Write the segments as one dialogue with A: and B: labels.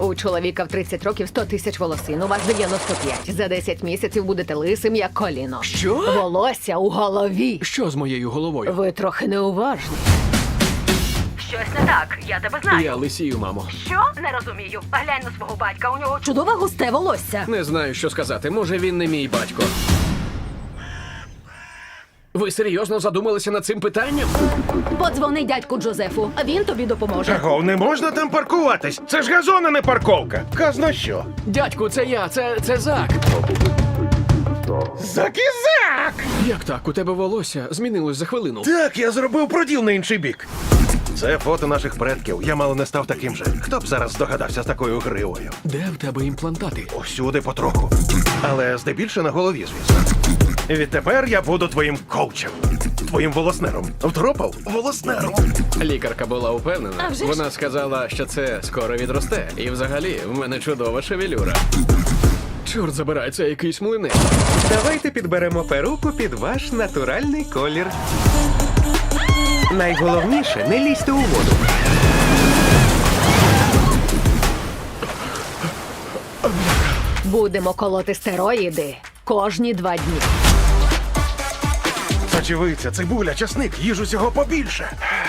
A: У чоловіка в 30 років 100 тисяч волосин, у вас 95. За 10 місяців будете лисим, як коліно.
B: Що?
A: Волосся у голові.
B: Що з моєю головою?
A: Ви трохи неуважні. Щось не так, я тебе знаю.
B: Я лисію, мамо.
A: Що? Не розумію. Глянь на свого батька, у нього чудове густе волосся.
B: Не знаю, що сказати. Може, він не мій батько. Ви серйозно задумалися над цим питанням?
A: Подзвони дядьку Джозефу, а він тобі допоможе.
C: Чого, не можна там паркуватись? Це ж газон, а не парковка. Казна що?
B: Дядьку, це я, це Зак.
C: Закізак!
B: Як так? У тебе волосся змінилось за хвилину.
C: Так, я зробив проділ на інший бік. Це фото наших предків. Я мало не став таким же. Хто б зараз здогадався з такою гривою?
B: Де в тебе імплантати?
C: Усюди потроху. Але здебільше на голові, звісно. Відтепер я буду твоїм коучем. Твоїм волоснером. Втропав? Волоснером.
B: Лікарка була упевнена.
A: А вже ж.
B: Вона сказала, що це скоро відросте. І взагалі, в мене чудова шевелюра. Чорт забирай, це якийсь млинець.
D: Давайте підберемо перуку під ваш натуральний колір. Найголовніше, не лізьте у воду.
A: Будемо колоти стероїди кожні 2 дні.
C: Сочевиця, цибуля, часник, їж усього побільше.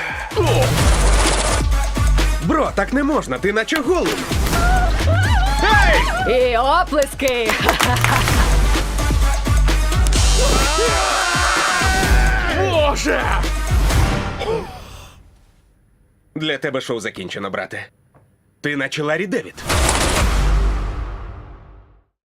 D: Бро, так не можна, ти наче голий.
A: І оплески!
C: Боже!
D: Для тебе шоу закінчено, брате. Ти наче Ларі Девід.